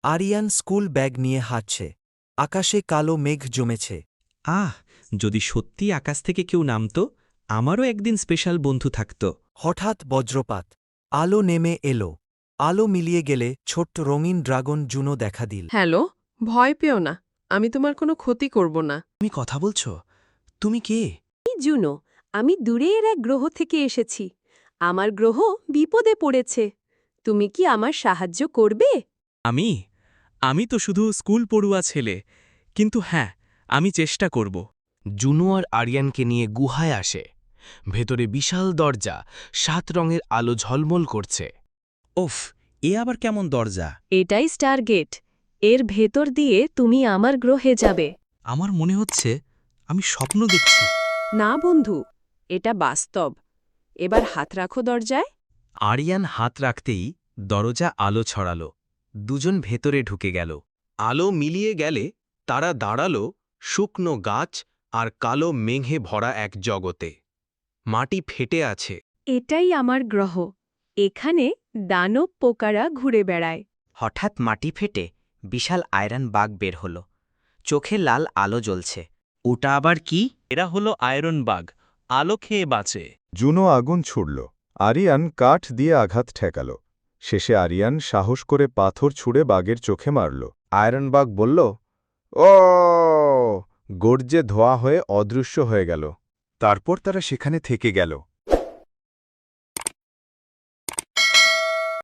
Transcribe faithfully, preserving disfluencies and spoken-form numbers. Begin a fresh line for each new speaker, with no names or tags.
Aryan school bag নিয়ে হাঁটছে। আকাশে কালো মেঘ জমেছে।
আহ যদি সত্যি আকাশ থেকে কেউ নামত, আমারও একদিন স্পেশাল বন্ধু থাকত।
হঠাৎ বজ্রপাত। আলো নেমে এলো। আলো মিলিয়ে গেলে ছোট্ট রঙিন ড্রাগন জুনো দেখা দিল।
হ্যালো, ভয় পেও না, আমি তোমার কোনো ক্ষতি করব না।
তুমি কথা বলছ? তুমি কে?
জুনো, আমি দূরের এক গ্রহ থেকে এসেছি। আমার গ্রহ বিপদে পড়েছে। তুমি কি আমার সাহায্য করবে?
আমি আমি তো শুধু স্কুল পড়ুয়া ছেলে, কিন্তু হ্যাঁ, আমি চেষ্টা করব।
জুনো আর আরিয়ানকে নিয়ে গুহায় আসে। ভেতরে বিশাল দরজা, সাত রঙের আলো ঝলমল করছে।
ওফ, এ আবার কেমন দরজা?
এটাই স্টারগেট। এর ভেতর দিয়ে তুমি আমার গ্রহে যাবে।
আমার মনে হচ্ছে আমি স্বপ্ন দেখছি।
না বন্ধু, এটা বাস্তব। এবার হাত রাখো দরজায়।
আরিয়ান হাত রাখতেই দরজা আলো ছড়ালো। দুজন ভেতরে ঢুকে গেল। আলো মিলিয়ে গেলে তারা দাঁড়ালো শুকনো গাছ আর কালো মেঘে ভরা এক জগতে। মাটি ফেটে আছে।
এটাই আমার গ্রহ। এখানে দানব পোকারা ঘুরে বেড়ায়।
হঠাৎ মাটি ফেটে বিশাল আয়রন বাঘ বের হল। চোখে লাল আলো জ্বলছে। ওটা আবার কি?
এরা হলো আয়রন বাঘ, আলো খেয়ে বাঁচে।
জুনো আগুন ছুড়ল। আরিয়ান কাঠ দিয়ে আঘাত ঠেকাল। শেষে আরিয়ান সাহস করে পাথর ছুঁড়ে বাঘের চোখে মারল। আয়রনবাগ বলল, ও, গর্জে ধোয়া হয়ে অদৃশ্য হয়ে গেল। তারপর তারা সেখানে থেকে গেল।